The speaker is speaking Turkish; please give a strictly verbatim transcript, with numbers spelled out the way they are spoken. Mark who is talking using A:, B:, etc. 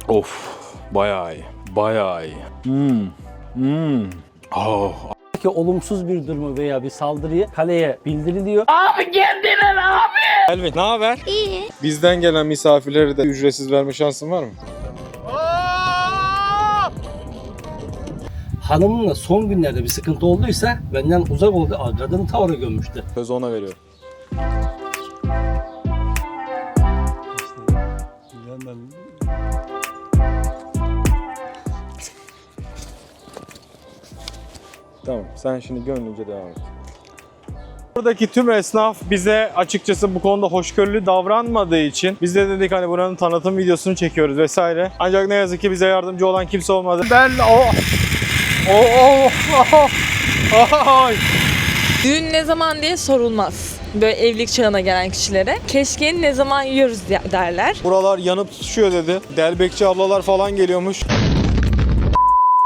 A: Of, bayağı iyi, bayağı iyi. Hmm, hmm. Oh.
B: Ki olumsuz bir durumu veya bir saldırıyı kaleye bildiriliyor.
C: Abi kendine abi.
A: Elvin, ne haber?
D: İyi.
A: Bizden gelen misafirlere de ücretsiz verme şansın var mı?
B: Hanımınla son günlerde bir sıkıntı olduysa benden uzak oldu. Kadını tavara gömmüştü.
A: Sözü ona veriyorum. Tamam, sen şimdi gönlünce devam et. Buradaki tüm esnaf bize açıkçası bu konuda hoşgörülü davranmadığı için biz de dedik hani buranın tanıtım videosunu çekiyoruz vesaire. Ancak ne yazık ki bize yardımcı olan kimse olmadı. Ben o o o o
E: Düğün ne zaman diye sorulmaz. Böyle evlilik çağına gelen kişilere. Keşke ne zaman yiyoruz derler.
A: Buralar yanıp tutuşuyor dedi. Delbekçi ablalar falan geliyormuş.